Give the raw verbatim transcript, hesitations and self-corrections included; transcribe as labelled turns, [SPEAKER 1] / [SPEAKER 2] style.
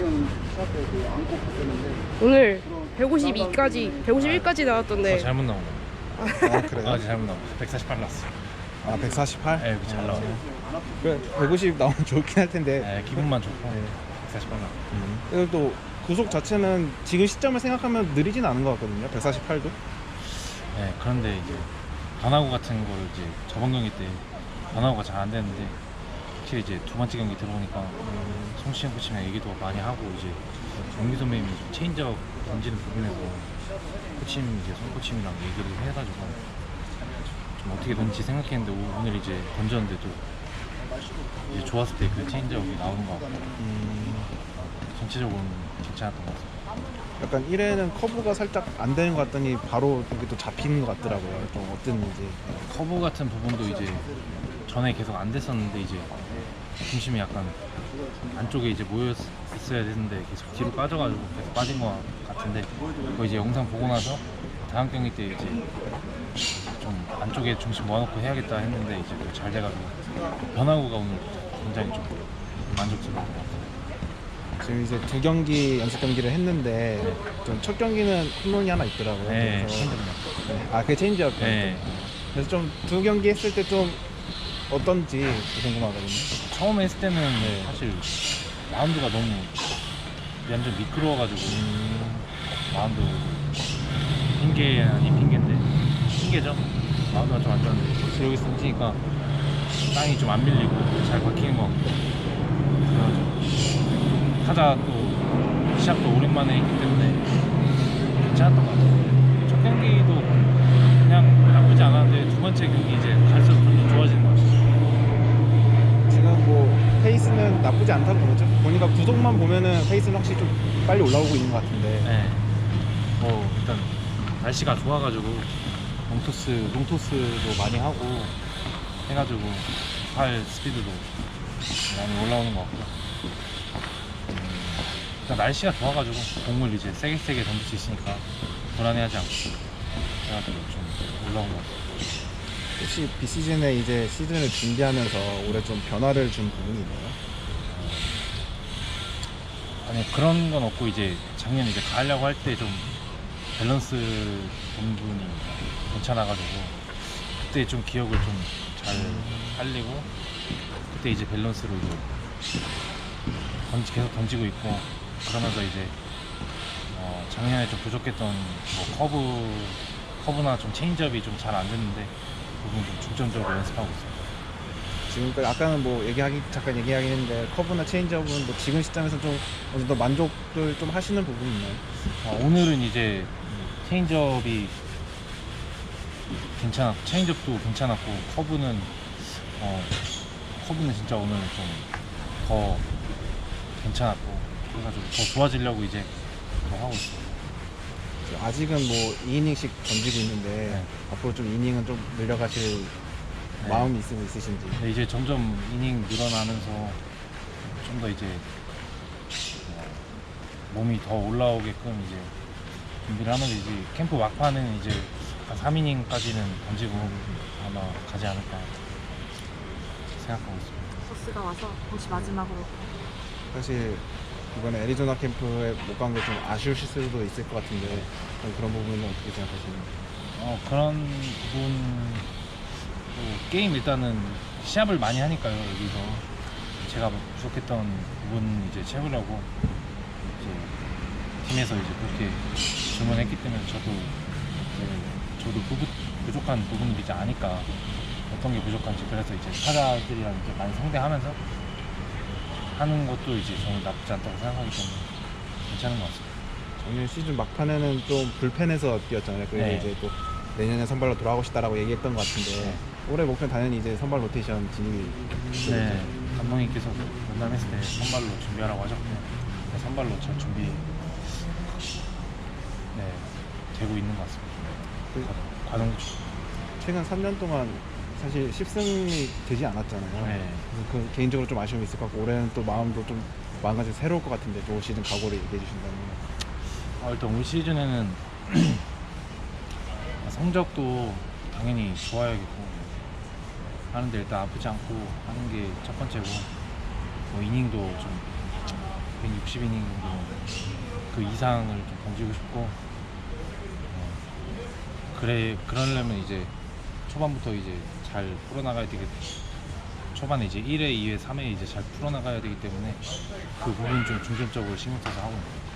[SPEAKER 1] 오늘 백오십이까지 백오십일까지 나왔던데.
[SPEAKER 2] 어, 잘못 나온 거.
[SPEAKER 3] 아 그래요?
[SPEAKER 2] 아 잘못 나온 거. 백사십팔 나왔어.
[SPEAKER 3] 아 백사십팔?
[SPEAKER 2] 네, 잘 나와.
[SPEAKER 3] 그래 백오십 나오면 좋긴 할 텐데.
[SPEAKER 2] 네, 기분만 좋고.
[SPEAKER 3] 네.
[SPEAKER 2] 백사십팔 나와.
[SPEAKER 3] 음. 그리고 또 구속 자체는 지금 시점을 생각하면 느리진 않은 것 같거든요. 백사십팔도.
[SPEAKER 2] 네, 그런데 이제 변화구 같은 거를 이제 저번 경기 때 변화구가 잘 안 되는데 확실히 이제 두 번째 경기 들어오니까 음, 송시현 코치랑 얘기도 많이 하고 이제 정기 선배님이 좀 체인지업 던지는 부분에서 코치님 이제 송 코치님이랑 얘기를 해가지고 좀 어떻게 던지 생각했는데 오- 오늘 이제 던졌는데도 이제 좋았을 때 그 체인지업이 나오는 것 같고
[SPEAKER 3] 음.
[SPEAKER 2] 전체적으로는 괜찮았던 것 같습니다.
[SPEAKER 3] 약간 일 회는 커브가 살짝 안 되는 것 같더니 바로 여기 또 잡히는 것 같더라고요. 좀 어땠는지.
[SPEAKER 2] 커브 같은 부분도 이제 전에 계속 안 됐었는데 이제 중심이 약간 안쪽에 이제 모여 있어야 되는데 계속 뒤로 빠져가지고 계속 빠진 것 같은데 그거 이제 영상 보고 나서 다음 경기 때 이제 좀 안쪽에 중심 모아놓고 해야겠다 했는데 이제 그거 잘 돼가지고 변화구가 오늘 굉장히 좀 만족스러웠던 것 같아요.
[SPEAKER 3] 지금 이제 두 경기 연습 경기를 했는데 좀 첫 경기는 홈런이 하나 있더라고요.
[SPEAKER 2] 네,
[SPEAKER 3] 그래서
[SPEAKER 2] 힘들어요.
[SPEAKER 3] 네. 아 그게 체인지업.
[SPEAKER 2] 네.
[SPEAKER 3] 그래서 좀 두 경기 했을 때 좀 어떤지 궁금하거든요.
[SPEAKER 2] 처음에 했을 때는 사실 마운드가 너무 완전 미끄러워가지고 마운드 핑계 아닌 핑계인데 핑계죠. 마운드가 좀 안 좋았는데 확실히 여기서 던지니까 땅이 좀 안 밀리고 잘 박히는 것 같고 그래가지고 타자 또 시합도 오랜만에 했기 때문에 괜찮았던 것 같아요. 첫 경기도 그냥 나쁘지 않았는데 두 번째 경기 이제 갈수록 좀 더 좋아지는 것 같아요.
[SPEAKER 3] 지금 뭐 페이스는 나쁘지 않다고 보죠. 보니까 구속만 보면은 페이스는 확실히 좀 빨리 올라오고 있는 것 같은데.
[SPEAKER 2] 네. 뭐 일단 날씨가 좋아가지고 롱토스 롱토스도 많이 하고 해가지고 팔 스피드도 많이 올라오는 것 같고 음, 일단 날씨가 좋아가지고 공을 이제 세게 세게 던질 수 있으니까 불안해하지 않고 해가지고 좀 올라온 것 같아요.
[SPEAKER 3] 혹시 비시즌에 이제 시즌을 준비하면서 올해 좀 변화를 준 부분이 있나요?
[SPEAKER 2] 아니 그런 건 없고 이제 작년 이제 가려고 할 때 좀 밸런스 부분이 괜찮아가지고 그때 좀 기억을 좀 잘 살리고 그때 이제 밸런스로 이제 던지, 계속 던지고 있고 그러면서 이제 어 작년에 좀 부족했던 뭐 커브 커브나 좀 체인지업이 좀 잘 안 됐는데 그 부분 좀 중점적으로 연습하고 있어요.
[SPEAKER 3] 지금까지 아까는 뭐 얘기하기 잠깐 얘기하긴 했는데 커브나 체인지업은 뭐 지금 시점에서 좀 어느 정도 만족을 좀 하시는 부분이 있나요?
[SPEAKER 2] 어, 오늘은 이제 체인지업이 괜찮았고 체인지업도 괜찮았고 커브는 어, 커브는 진짜 오늘 좀 더 괜찮았고 그래가지고 더 좋아지려고 이제 더 하고 있어요.
[SPEAKER 3] 아직은 뭐 이 이닝씩 던지고 있는데
[SPEAKER 2] 네.
[SPEAKER 3] 앞으로 좀 이닝은 좀 늘려가실
[SPEAKER 2] 네.
[SPEAKER 3] 마음이 있으면 있으신지.
[SPEAKER 2] 근데 이제 점점 이닝 늘어나면서 좀 더 이제 어, 몸이 더 올라오게끔 이제 준비를 하면서 이제 캠프 막판은 이제 한 삼 이닝까지는 던지고 아마 가지 않을까 생각하고 있습니다.
[SPEAKER 4] 버스가 와서 혹시 마지막으로
[SPEAKER 3] 사실 이번에 애리조나 캠프에 못 간 게 좀 아쉬우실 수도 있을 것 같은데 그런 부분은 어떻게 생각하시나요?
[SPEAKER 2] 어 그런 부분 뭐 게임 일단은 시합을 많이 하니까요. 여기서 제가 부족했던 부분 이제 채우려고 이제 팀에서 이제 그렇게 주문했기 때문에 저도 이제 저도 부부, 부족한 부분을 이제 아니까 어떤 게 부족한지 그래서 이제 타자들이랑 이제 많이 상대하면서 하는 것도 이제 저는 나쁘지 않다고 생각하기 때문에 괜찮은 것 같습니다.
[SPEAKER 3] 작년 시즌 막판에는 좀 불펜에서 뛰었잖아요. 그래서
[SPEAKER 2] 네.
[SPEAKER 3] 이제 또 내년에 선발로 돌아가고 싶다라고 얘기했던 것 같은데
[SPEAKER 2] 네.
[SPEAKER 3] 올해 목표는 당연히 이제 선발 로테이션 진입이.
[SPEAKER 2] 네, 감독님께서 만남했을 때 선발로 준비하라고 하셨고 네, 선발로 잘 준비 네, 되고 있는 것 같습니다.
[SPEAKER 3] 그
[SPEAKER 2] 과정
[SPEAKER 3] 최근 삼 년 동안 사실 십 승이 되지 않았잖아요.
[SPEAKER 2] 네.
[SPEAKER 3] 그래서 그 개인적으로 좀 아쉬움이 있을 것 같고 올해는 또 마음도 좀 마음가짐 새로울 것 같은데 또 올 시즌 각오를 얘기해 주신다면.
[SPEAKER 2] 아, 일단 올 시즌에는 성적도 당연히 좋아야겠고 하는데 일단 아프지 않고 하는 게 첫 번째고 뭐 이닝도 좀 육십 이닝 정도 그 이상을 좀 던지고 싶고 어, 그래 그러려면 이제 초반부터 이제 잘 풀어나가야 되겠 초반에 이제 일 회, 이 회, 삼 회 이제 잘 풀어나가야 되기 때문에 그 부분 좀 중점적으로 신경 써서 하고 있습니다.